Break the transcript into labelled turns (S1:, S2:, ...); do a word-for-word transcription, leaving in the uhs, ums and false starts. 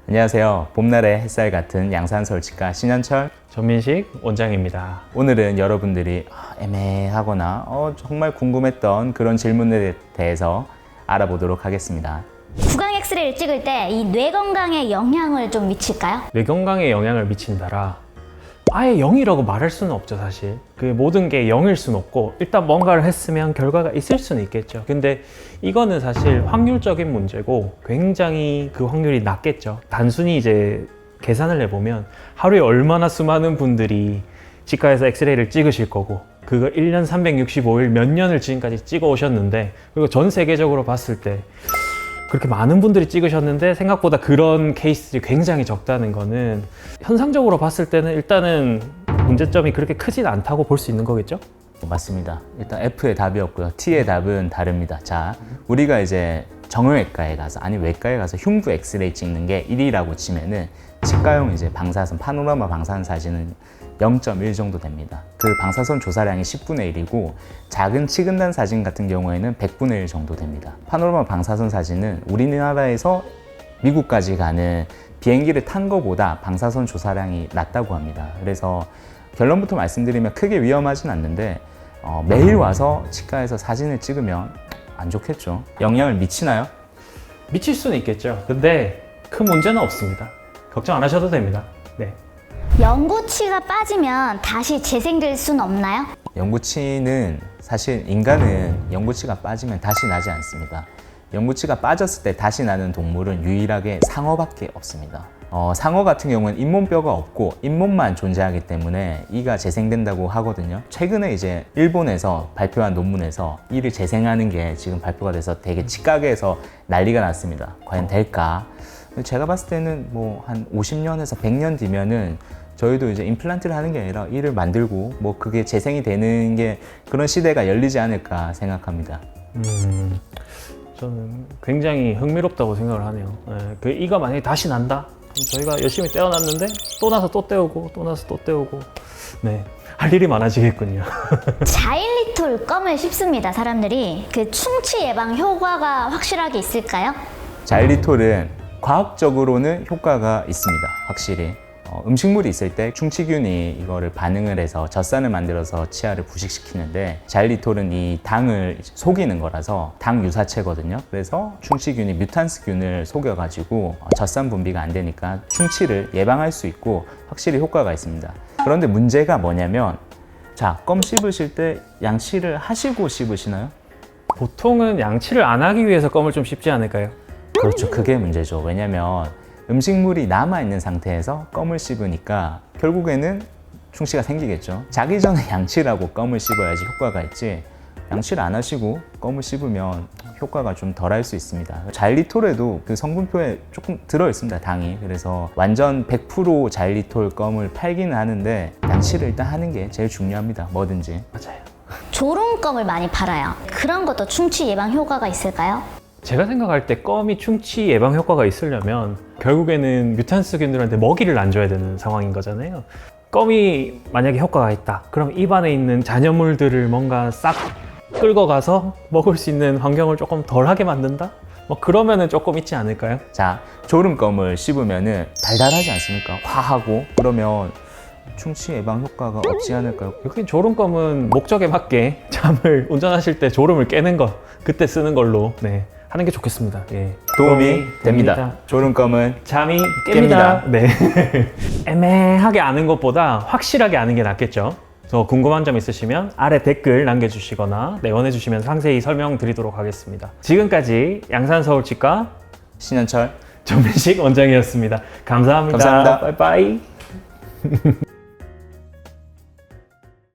S1: 안녕하세요. 봄날의 햇살 같은 양산서울치과 신현철
S2: 전민식 원장입니다.
S1: 오늘은 여러분들이 애매하거나 어, 정말 궁금했던 그런 질문에 대해서 알아보도록 하겠습니다.
S3: 구강 엑스레이를 찍을 때 이 뇌 건강에 영향을 좀 미칠까요?
S2: 뇌 건강에 영향을 미친다라 아예 영이라고 말할 수는 없죠. 사실 그 모든 게 영일 수는 없고 일단 뭔가를 했으면 결과가 있을 수는 있겠죠. 근데 이거는 사실 확률적인 문제고 굉장히 그 확률이 낮겠죠. 단순히 이제 계산을 해보면 하루에 얼마나 수많은 분들이 치과에서 엑스레이를 찍으실 거고 그걸 일 년 삼백육십오 일 몇 년을 지금까지 찍어 오셨는데 그리고 전 세계적으로 봤을 때 그렇게 많은 분들이 찍으셨는데 생각보다 그런 케이스들이 굉장히 적다는 거는 현상적으로 봤을 때는 일단은 문제점이 그렇게 크진 않다고 볼 수 있는 거겠죠?
S1: 맞습니다. 일단 F의 답이었고요. T의 답은 다릅니다. 자, 우리가 이제 정형외과에 가서 아니 외과에 가서 흉부 엑스레이 찍는 게 일이라고 치면은 치과용 이제 방사선 파노라마 방사선 사진은 영 점 일 정도 됩니다. 그 방사선 조사량이 십분의 일이고 작은 치근단 사진 같은 경우에는 백분의 일 정도 됩니다. 파노라마 방사선 사진은 우리나라에서 미국까지 가는 비행기를 탄 것보다 방사선 조사량이 낮다고 합니다. 그래서 결론부터 말씀드리면 크게 위험하진 않는데 어, 매일 와서 치과에서 사진을 찍으면 안 좋겠죠. 영향을 미치나요?
S2: 미칠 수는 있겠죠. 근데 큰 문제는 없습니다. 걱정 안 하셔도 됩니다. 네.
S3: 영구치가 빠지면 다시 재생될 수는 없나요?
S1: 영구치는 사실 인간은 영구치가 빠지면 다시 나지 않습니다. 영구치가 빠졌을 때 다시 나는 동물은 유일하게 상어밖에 없습니다. 어, 상어 같은 경우는 잇몸뼈가 없고 잇몸만 존재하기 때문에 이가 재생된다고 하거든요. 최근에 이제 일본에서 발표한 논문에서 이를 재생하는 게 지금 발표가 돼서 되게 치과계에서 난리가 났습니다. 과연 될까? 제가 봤을 때는 뭐 한 오십 년에서 백 년 뒤면은 저희도 이제 임플란트를 하는 게 아니라 이를 만들고 뭐 그게 재생이 되는 게 그런 시대가 열리지 않을까 생각합니다.
S2: 음, 저는 굉장히 흥미롭다고 생각을 하네요. 네, 그 이가 만약에 다시 난다? 그럼 저희가 열심히 떼어놨는데 또 나서 또 떼우고 또 나서 또 떼우고 네, 할 일이 많아지겠군요.
S3: 자일리톨 껌을 씹습니다, 사람들이. 그 충치 예방 효과가 확실하게 있을까요?
S1: 자일리톨은 과학적으로는 효과가 있습니다. 확실히. 어, 음식물이 있을 때 충치균이 이거를 반응을 해서 젖산을 만들어서 치아를 부식시키는데 자일리톨은 이 당을 속이는 거라서 당 유사체거든요. 그래서 충치균이 뮤탄스균을 속여가지고 어, 젖산 분비가 안 되니까 충치를 예방할 수 있고 확실히 효과가 있습니다. 그런데 문제가 뭐냐면 자, 껌 씹으실 때 양치를 하시고 씹으시나요?
S2: 보통은 양치를 안 하기 위해서 껌을 좀 씹지 않을까요?
S1: 그렇죠. 그게 문제죠. 왜냐면 음식물이 남아있는 상태에서 껌을 씹으니까 결국에는 충치가 생기겠죠. 자기 전에 양치를 하고 껌을 씹어야지 효과가 있지 양치를 안 하시고 껌을 씹으면 효과가 좀 덜할 수 있습니다. 자일리톨에도 그 성분표에 조금 들어있습니다, 당이. 그래서 완전 백 퍼센트 자일리톨 껌을 팔기는 하는데 양치를 일단 하는 게 제일 중요합니다. 뭐든지.
S2: 맞아요.
S3: 조롱껌을 많이 팔아요. 그런 것도 충치 예방 효과가 있을까요?
S2: 제가 생각할 때 껌이 충치 예방 효과가 있으려면 결국에는 뮤탄스균들한테 먹이를 안 줘야 되는 상황인 거잖아요. 껌이 만약에 효과가 있다. 그럼 입안에 있는 잔여물들을 뭔가 싹 끌고 가서 먹을 수 있는 환경을 조금 덜하게 만든다? 뭐 그러면은 조금 있지 않을까요?
S1: 자, 졸음껌을 씹으면은 달달하지 않습니까? 화하고 그러면 충치 예방 효과가 없지 않을까요?
S2: 여기 졸음껌은 목적에 맞게 잠을 운전하실 때 졸음을 깨는 거 그때 쓰는 걸로 네, 하는 게 좋겠습니다. 예.
S1: 도움이 됩니다. 졸음껌은
S2: 잠이
S1: 깹니다.
S2: 깹니다. 네. 애매하게 아는 것보다 확실하게 아는 게 낫겠죠. 더 궁금한 점 있으시면 아래 댓글 남겨주시거나 내원해 주시면 상세히 설명드리도록 하겠습니다. 지금까지 양산서울치과
S1: 신현철
S2: 전민식 원장이었습니다. 감사합니다.
S1: 감사합니다.
S2: 빠이빠이.